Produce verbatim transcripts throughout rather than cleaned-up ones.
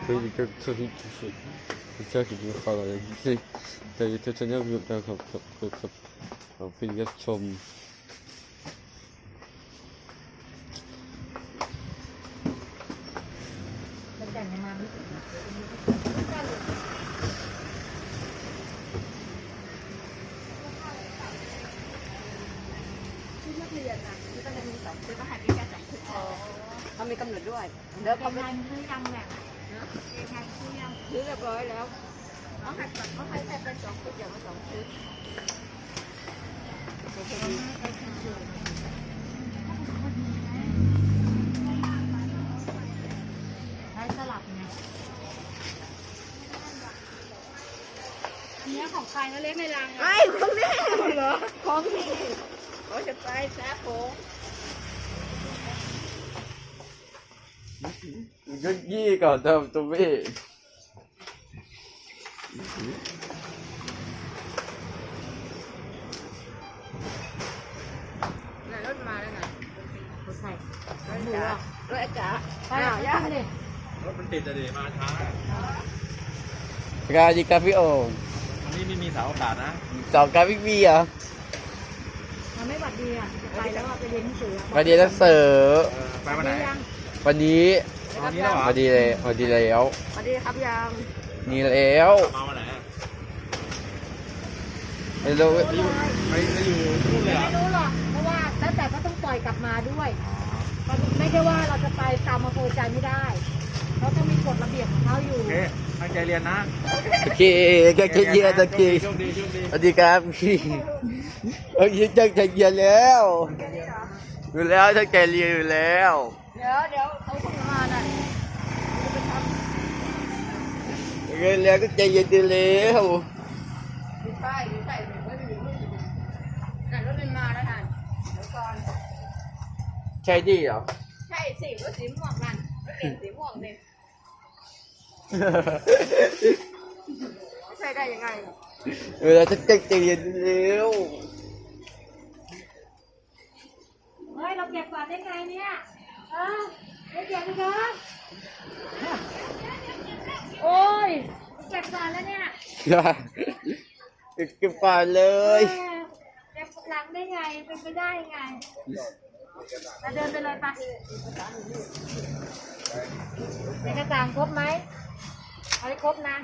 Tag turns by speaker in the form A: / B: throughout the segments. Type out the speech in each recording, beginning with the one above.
A: 可以跟测评就是这样子就好了，就是แต่จะจะเนี่ยแบบแบบแบบแบบแบบแบบเป็นการชม
B: แล้วแต่งมาไม่ถึงชุดนักเรียนอ่ะชุดก็จะมีสองชุดก็หายไปแค่สองชุดอ๋อเขามีกำหนดด้วยเดี๋ยวเขาไม่ซื้อยังแบ่งนะเองานซื้อยังซื้อเรียบร้อยแล้วเขาหัดก่อนเขาให้แค่เป็นสองชุดอย่างละสองชุดได้สลับไงอันนี้ของใครนะเล็กในรังไอ้ของนี่เหรอของนี่เขาจะไปแซ่ผม
A: ก็ยี่ก่อนเติมตัวพี่
B: รถมาแล้วไงรถใครรถจ๋ารถจ๋าไปหาย่าดิ
C: รถมันติดอะดิมาช้า
A: กาจิกาพี่โอ่ง
C: วันนี้ไม่มีเสาอากาศนะ
A: สอบกาพี่บีเหรอ
B: มันไม่หวัดดีอ่ะจะไปแล้วอ่ะไปเรียนหนังสือ
A: วันนี้นักเสือ
C: เออไปวันไหน
A: วันนี้
C: วันนี้แล้วเหรอ
A: วันดีเลยวันดีแล้ว
B: สวัสดีครับยัง
A: นี่แล้ว
C: มาวันไหนอะ
A: ไม่รู้
C: ไปอยู่ไปไปอยู่นู่นเลยเหรอ
B: ไม่รู้หรอกเพราะว่าแล้วแต่ก็ต้องปล่อยกลับมาด้วยไม่ใช่ว่าเราจะไปตามอำเภอใจไม่ได้เขาต้องมีกฎระเบียบของเขาอยู่
C: โอเคตั้งใจเรียนนะ
A: โอเคแกจะเยียนตะกี้
C: โชคดีโชคดี
A: สวัสดีครับพี่เอ้ยตั้งใจเรียนแล้วอยู่แล้วตั้งใจเรียนอยู่แล้ว
B: เดี๋ยวเดี๋ยวเขาส่งมาน่ะจะไปทำ
A: เรียนแล้วก็ใจเย็นดีแล้ว
B: ดูป้ายดูใส่ไว้ไม่อยู่ไม่อยู่นั่นรถมันมาแล้วนั่นเดี๋ยวก่อน
A: ใช่ดิเหรอ
B: ใช่สิรถสีม่วงนั่นรถเก่งสีม่วงเนี่ยไม่ใช่ได้ยังไง
A: เวลาจะตั้งใจเรียนเร็ว
B: เฮ้ยเราเก็บก่อนได้ไงเนี่ยเออไม่เก็บเลยครับโอ้ยเก็บก่อนแล้วเนี่ย
A: อย่าเก็บก่อนเลย
B: เออเก็บหลังได้ไงเป็นไปได้ไงเราเดินไปเลยไปเอกสารครบไหมเอาให้ครบนะ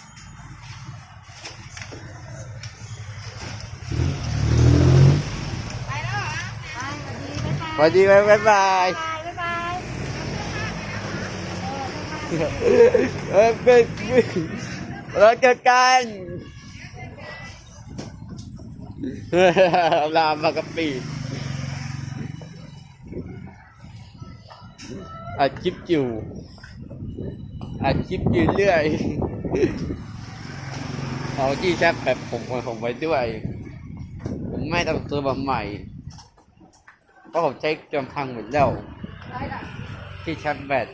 B: ไปแล้วเหรอไปสวัสดีบ๊ายบาย
A: สวัสดีบ๊ายบาย
B: บ๊ายบาย
A: เออเป็นเราเจอกันลามากะปีอาชิปอยู่อาชิปอยู่เรื่อยเอาที่แชปแบบผมผมไว้ด้วยผมไม่ต้องซื้อมาใหม่เพราะผมใช้จนพังหมดแล้วที่ชาร์จแบต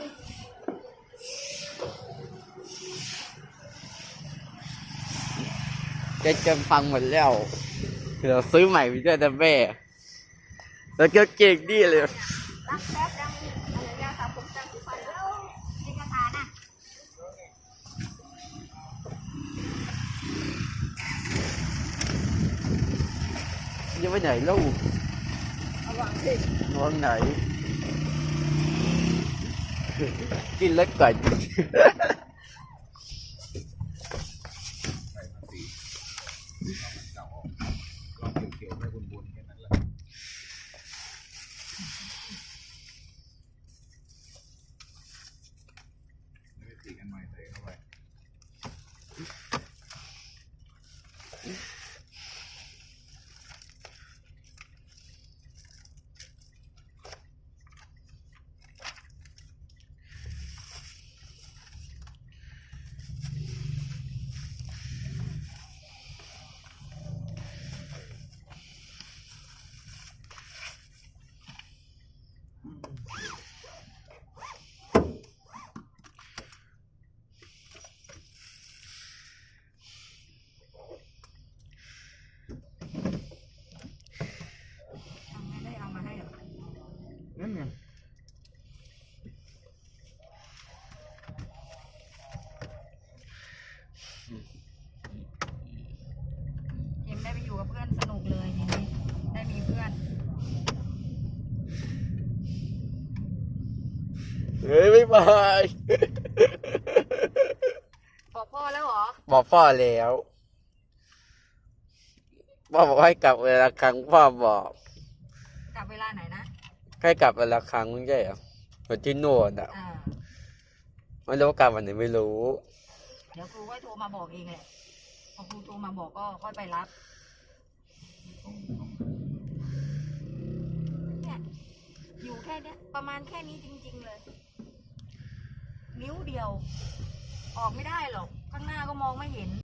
A: ใช้จนพังหมดแล้วเราซื้อใหม่ไปด้วยแต่แม่แล้วก็เก่งดีเลย
B: รักแป๊บยังอะไรเนี่ยครับผมจำที่ไปแล้วเอกสารน่ะ
A: จะไปไหนลูก
B: เอาวางสิ
A: นอนไหน กินแล้วก่อนเฮ้ยไม่ไป
B: บอกพ่อแล้วเหรอ
A: บอกพ่อแล้วพ่อบอกให้กลับเวลาครั้งพ่อบอก
B: กลับเวลาไหนนะ
A: ให้กลับเวลาครั้งไม่ใช่เหรอเหมือนที่โน่นอ่ะ
B: อ่า
A: ไม่รู้ว่ากลับวันไหนไม่รู้
B: เดี๋ยวครูค่อยโทรมาบอกเองแหละพอครูโทรมาบอกก็ค่อยไปรับเนี่ยอยู่แค่เนี้ยประมาณแค่นี้จริงๆเลย นิ้วเดียว ออกไม่ได้หรอก ข้างหน้าก็มองไม่เห็น